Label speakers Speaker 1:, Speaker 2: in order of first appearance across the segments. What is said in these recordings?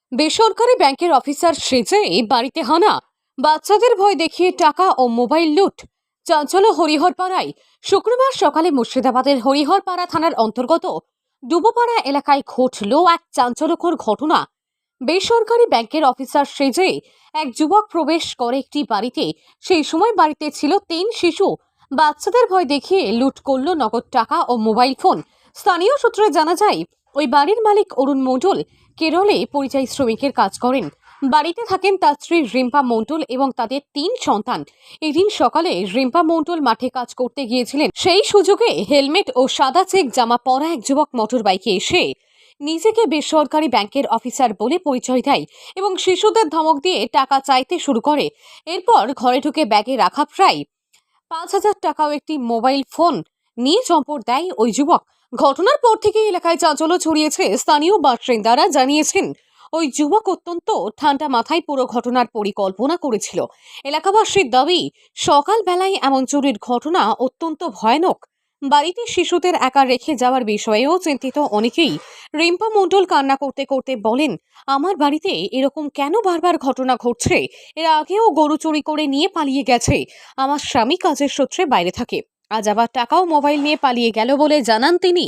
Speaker 1: বেসরকারি ব্যাংকের অফিসার সেজে বাড়িতে হানা, বাচ্চাদের ভয় দেখিয়ে টাকা ও মোবাইল লুট। চাঞ্চল্য হরিহরপাড়ায় শুক্রবার সকালে মুর্শিদাবাদের হরিহরপাড়া থানার অন্তর্গত ডুবোপাড়া এলাকায় ঘটল এক চাঞ্চল্যকর ঘটনা। বেসরকারি ব্যাংকের অফিসার সেজে এক যুবক প্রবেশ করে একটি বাড়িতে। সেই সময় বাড়িতে ছিল 3 শিশু। বাচ্চাদের ভয় দেখিয়ে লুট করল নগদ টাকা ও মোবাইল ফোন। স্থানীয় সূত্রে জানা যায়, ওই বাড়ির মালিক অরুণ মণ্ডল কেরলে পরিযায়ী শ্রমিকের কাজ করেন। বাড়িতে থাকেন তার স্ত্রী রিম্পা মণ্ডল এবং তাদের 3 সন্তান। এদিন সকালে রিম্পা মণ্ডল মাঠে কাজ করতে গিয়েছিলেন। সেই সুযোগে হেলমেট ও সাদা চেক জামা পরা এক যুবক মোটর বাইকে এসে নিজেকে বেসরকারি ব্যাংকের অফিসার বলে পরিচয় দেয় এবং শিশুদের ধমক দিয়ে টাকা চাইতে শুরু করে। এরপর ঘরে ঢুকে ব্যাগে রাখা প্রায় 5,000 টাকা ও একটি মোবাইল ফোন নিয়ে চম্পট দেয় ওই যুবক। ঘটনার পর থেকে এলাকায় চাঞ্চল্য ছড়িয়েছে। স্থানীয় বাসিন্দারা জানিয়েছেন, ওই যুবক অত্যন্ত ঠান্ডা মাথায় পুরো ঘটনার পরিকল্পনা করেছিল। এলাকাবাসীর দাবি, সকালবেলায় এমন চুরির ঘটনা অত্যন্ত ভয়ানক। বাড়িতে শিশুদের একা রেখে যাওয়ার বিষয়েও চিন্তিত অনেকেই। রিম্পা মণ্ডল কান্না করতে করতে বলেন, আমার বাড়িতে এরকম কেন বারবার ঘটনা ঘটছে? এর আগেও গরু চুরি করে নিয়ে পালিয়ে গেছে। আমার স্বামী কাজের সূত্রে বাইরে থাকে, আজ আবার টাকা ও মোবাইল নিয়ে পালিয়ে গেল বলে জানান তিনি।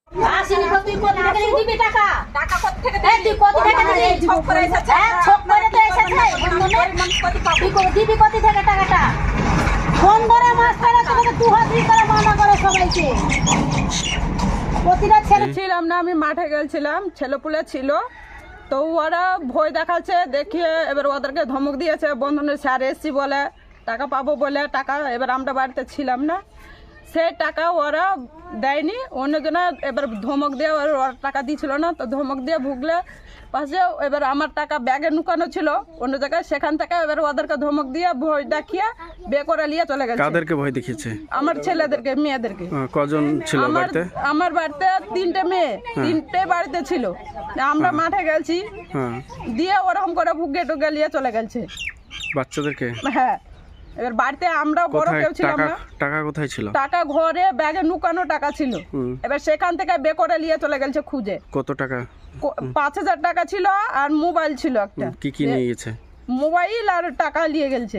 Speaker 2: ছিলাম না, আমি মাঠে গেছিলাম, ছেলেপুলে ছিল, তো ওরা ভয় দেখাচ্ছে দেখিয়ে এবার ওদেরকে ধমক দিয়েছে। বন্ধনের স্যার এসছি বলে টাকা পাবো বলে টাকা, এবার আমরা বাড়িতে ছিলাম না, সেই টাকা ওরা দেয়নি, অন্যজনে এবার ধমক দিয়ে ওরা টাকা দিয়েছিল না, তো ধমক দিয়ে ভুগলে পাশে এবার আমার টাকা ব্যাগে নুকানো ছিল অন্য জায়গায়, সেখান থেকে এবার ওদেরকে ধমক দিয়ে ভয় দেখিয়ে বে করে নিয়ে চলে গেছে।
Speaker 3: কাদেরকে ভয় দেখিয়েছে?
Speaker 2: আমার ছেলেদেরকে, মেয়েদেরকে।
Speaker 3: কজন ছিল বাড়িতে?
Speaker 2: আমার বাড়িতে 3টে মেয়ে, 3টে বাড়িতে ছিল। আমরা মাঠে গেছি, দিয়ে ওরকম করে ভুগে টুগে নিয়ে চলে গেছে
Speaker 3: বাচ্চাদেরকে।
Speaker 2: হ্যাঁ, এবার বাড়িতে আমরা বড় কেউ ছিলাম না।
Speaker 3: টাকা কোথায় ছিল?
Speaker 2: টাকা ঘরে ব্যাগে নুকানো টাকা ছিল, এবার সেখান থেকে বে করে নিয়ে চলে গেছে খুঁজে।
Speaker 3: কত টাকা?
Speaker 2: 5,000 টাকা ছিল আর মোবাইল ছিল একটা।
Speaker 3: কি কি নিয়ে গেছে?
Speaker 2: মোবাইল আর টাকা নিয়ে গেছে।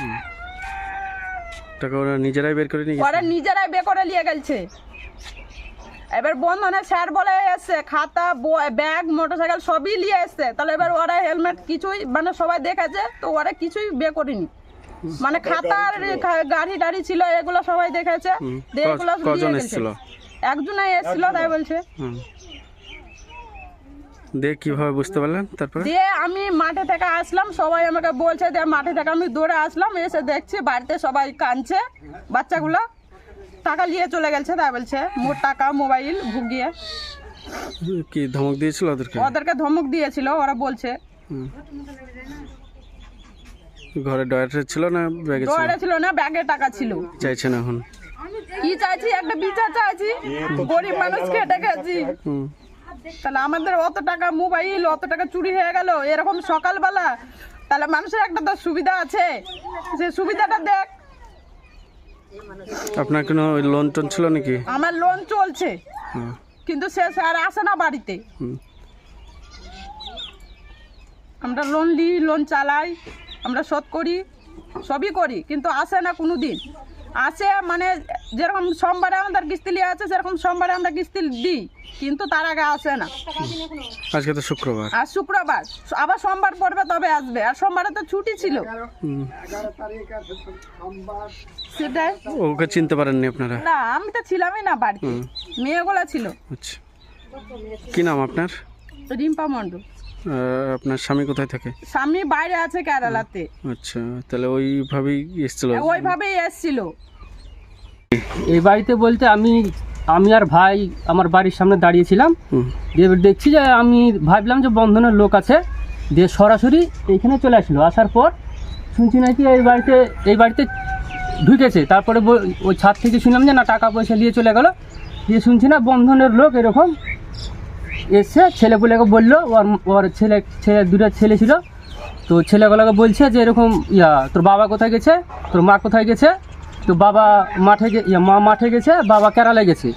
Speaker 3: টাকা ওরা নিজেরাই বের করে নিয়ে গেছে?
Speaker 2: ওরা নিজেরাই বে করে নিয়ে গেছে। এবার বন্ধনে স্যার বলে এসছে খাতা ব্যাগ মোটরসাইকেল সবই নিয়ে এসছে, তাহলে এবার ওরা হেলমেট কিছুই মানে সবাই দেখেছে, তো ওরা কিছুই বে করেনি, মানে খাতার গাড়ি টাড়ি ছিল এগুলো সবাই দেখেছে।
Speaker 3: কজন এসেছিল?
Speaker 2: একজনই এসেছিল তাই বলছে।
Speaker 3: দেখ কিভাবে বুঝতে পারলেন? তারপরে
Speaker 2: দিয়ে আমি মাঠে থেকে আসলাম, সবাই আমাকে বলছে, দিয়ে মাঠে থেকে আমি দৌড়ে আসলাম, এসে দেখছি বাড়িতে সবাই কাঁদছে, বাচ্চাগুলো টাকা নিয়ে চলে গেছে তাই বলছে, মোট টাকা মোবাইল ভুগিয়ে।
Speaker 3: কি ধমক দিয়েছিল ওদেরকে?
Speaker 2: ওদেরকে ধমক দিয়েছিল, ওরা বলছে।
Speaker 3: ঘরে ডয়ারে ছিল না ব্যাগে ছিল?
Speaker 2: ডয়ারে ছিল না, ব্যাগে টাকা ছিল।
Speaker 3: চাইছেন এখন
Speaker 2: কি চাইছি? একটা বিচার চাইছি, গরিব মানুষ খেটে গেছি, তাহলে আমাদের অত টাকা মোবাইল অত টাকা চুরি হয়ে গেল এরকম সকালবেলা, তাহলে মানুষের একটা তো সুবিধা আছে, সে সুবিধাটা দেখ।
Speaker 3: আপনার কোনো লোন টোন ছিল নাকি?
Speaker 2: আমার লোন চলছে, কিন্তু সে স্যার আসে না বাড়িতে। আমরা লোন নিই, লোন চালাই, আমরা শোধ করি, সবই করি, কিন্তু আসে না কোনো দিন। আসে মানে যেরকম সোমবারে আমাদের কিস্তি লিয়ে আছে, সেরকম সোমবারে আমরা কিস্তি দিই, কিন্তু তার আগে আসে না।
Speaker 3: আজকে তো শুক্রবার,
Speaker 2: আর শুক্রবার আবার সোমবার পড়বে তবে আসবে, আর সোমবারে তো ছুটি ছিল। সেটাই।
Speaker 3: ওকে চিনতে পারেননি আপনারা?
Speaker 2: না, আমি তো ছিলামই না বাড়িতে, মেয়েগুলা ছিল।
Speaker 3: আচ্ছা, কি নাম আপনার?
Speaker 2: রিম্পা মণ্ডল।
Speaker 3: আপনার স্বামী কোথায় থাকে?
Speaker 2: স্বামী বাইরে আছে কেরালাতে।
Speaker 3: আচ্ছা, তাহলে ওইভাবেই এসেছিল?
Speaker 2: ওইভাবেই এসেছিল।
Speaker 4: এই বাড়িতে বলতে আমি আর ভাই আমার বাড়ির সামনে দাঁড়িয়েছিলাম, দিয়ে দেখছি যে আমি ভাবলাম যে বন্ধনের লোক আছে, দিয়ে সরাসরি এইখানে চলে আসলো। আসার পর শুনছি নাকি এই বাড়িতে ঢুকেছে। তারপরে ওই ছাদ থেকে শুনলাম যে না টাকা পয়সা নিয়ে চলে গেল, দিয়ে শুনছি না বন্ধনের লোক এরকম এসে ছেলেপুলেকে বললো, ওর দুটো ছেলে ছিল, তো ছেলেগুলোকে বলছে যে এরকম তোর বাবা কোথায় গেছে, তোর মা কোথায় গেছে, তো বাবা মা মাঠে গেছে, বাবা কেরালে গেছে।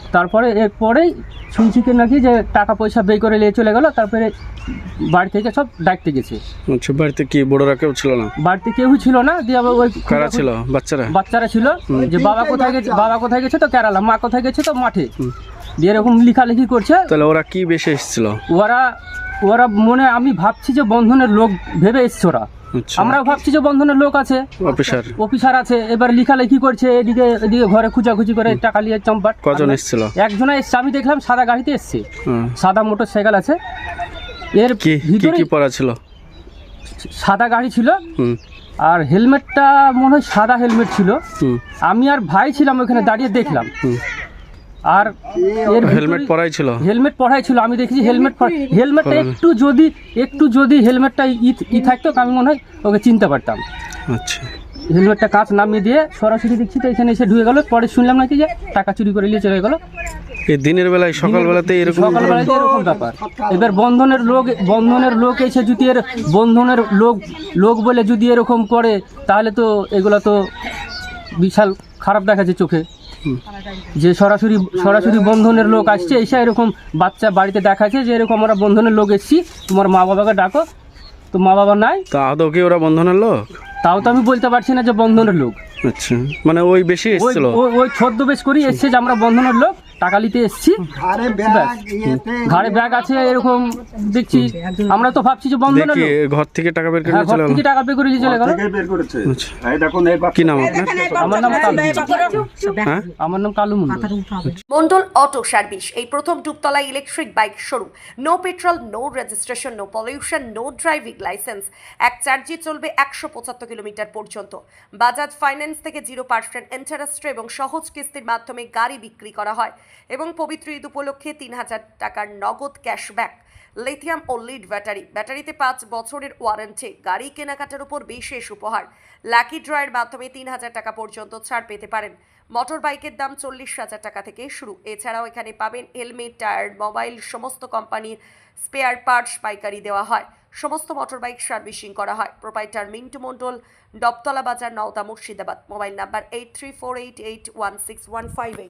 Speaker 4: তারপরে এরপরেই শুনছি কি নাকি যে টাকা পয়সা বের করে নিয়ে চলে গেল, তারপরে বাড়ি থেকে সব ডাকতে গেছে।
Speaker 3: আচ্ছা, বাড়িতে কি বড়রা কেউ ছিল না?
Speaker 4: বাড়িতে কেউই ছিল না, দিয়ে আবার ওই
Speaker 3: কারা ছিল? বাচ্চারা?
Speaker 4: বাচ্চারা ছিল, যে বাবা কোথায় গেছে তো কেরালা, মা কোথায় গেছে তো মাঠে, দিয়ে এরকম লেখালেখি করছে।
Speaker 3: তাহলে ওরা কি বেশি এসেছিল?
Speaker 4: ওরা মনে, আমি ভাবছি যে বন্ধনের লোক ভেবে এসছে ওরা।
Speaker 3: আচ্ছা,
Speaker 4: আমরাও ভাবছি যে বন্ধনের লোক আছে, অফিসার আছে, এবার লেখালেখি করছে, এদিকে ঘরে খুঁচাখুচি করে টাকা নিয়ে চম্পাট।
Speaker 3: কজন এসেছিল?
Speaker 4: একজনে এসছে, আমি দেখলাম সাদা গাড়িতে এসছে, সাদা মোটর সাইকেল আছে, এর
Speaker 3: কি
Speaker 4: ভিতরে
Speaker 3: কি পরা ছিল?
Speaker 4: সাদা গাড়ি ছিল, আর হেলমেটটা মনে হয় সাদা হেলমেট ছিল। আমি আর ভাই ছিলাম ওখানে দাঁড়িয়ে দেখলাম, আর এর
Speaker 3: হেলমেট পরাই ছিল?
Speaker 4: হেলমেট পরাই ছিল, আমি দেখেছি হেলমেটটা একটু যদি হেলমেটটা ই থাকতো আমি মনে হয় ওকে চিনতে পারতাম।
Speaker 3: আচ্ছা,
Speaker 4: হেলমেটটা কাঁচ নামিয়ে দিয়ে সরাসরি দেখছি তো এখানে এসে ঢুকে গেল। পরে শুনলাম নাকি যে টাকা চুরি করে নিয়ে চলে গেল।
Speaker 3: এই দিনের বেলায় সকালবেলাতে এরকম
Speaker 4: ব্যাপার। এবার বন্ধনের লোক এসে যদি এর বন্ধনের লোক বলে যদি এরকম করে, তাহলে তো এগুলো তো বিশাল খারাপ দেখাচ্ছে চোখে, যে সরাসরি বন্ধনের লোক আসছে, এসে এরকম বাচ্চা বাড়িতে দেখাচ্ছে যে এরকম আমরা বন্ধনের লোক এসছি, তোমার মা বাবাকে ডাকো, তো মা বাবা নাই।
Speaker 3: তা আদৌ কি ওরা বন্ধনের লোক?
Speaker 4: তাও তো আমি বলতে পারছি না যে বন্ধনের লোক।
Speaker 3: আচ্ছা, মানে ওই বেশি এসেছিল?
Speaker 4: ওই ছদ্মবেশ করি এসছে যে আমরা বন্ধনের লোক, টাকা নিতে এসছি, ঘাড়ে ব্যাগ আছে এরকম দেখছি। আমরা তো ভাবছি যে বন্ধনের লোক।
Speaker 3: ঘর থেকে টাকা বের করে
Speaker 4: ঘর
Speaker 3: চলে গেল?
Speaker 4: থেকে টাকা বের করে নিয়ে চলে গেল।
Speaker 3: কি নাম আপনার?
Speaker 4: আমার নাম কালু
Speaker 5: মন্ডল অটো সার্ভিস, এই প্রথম Dubtala electric bike showroom. No petrol, no registration, no pollution, no driving licence. এক চার্জে চলবে 175 কিলোমিটার পর্যন্ত। বাজাজ ফাইন্যান্স থেকে 0% ইন্টারেস্ট এবং সহজ কিস্তির মাধ্যমে গাড়ি বিক্রি করা হয়, এবং পবিত্র ঈদ উপলক্ষে 3000 টাকার নগদ ক্যাশব্যাক। লিথিয়াম ও লিড ব্যাটারিতে 5 বছরের ওয়ারেন্টি। গাড়ি কেনাকাটার উপর বিশেষ উপহার। লাকি ড্রয়ের মাধ্যমে 3000 টাকা পর্যন্ত ছাড় পেতে পারেন। মোটর বাইকের দাম 40,000 টাকা থেকে শুরু। এছাড়াও এখানে পাবেন হেলমেট, টায়ার, মোবাইল, সমস্ত কোম্পানির স্পেয়ার পার্টস পাইকারি দেওয়া হয়। সমস্ত মোটর বাইক সার্ভিসিং করা হয়। প্রোপাইটার মিন্টু মন্ডল, ডবতলা বাজার, নওদা, মুর্শিদাবাদ। Mobile number 8348816158।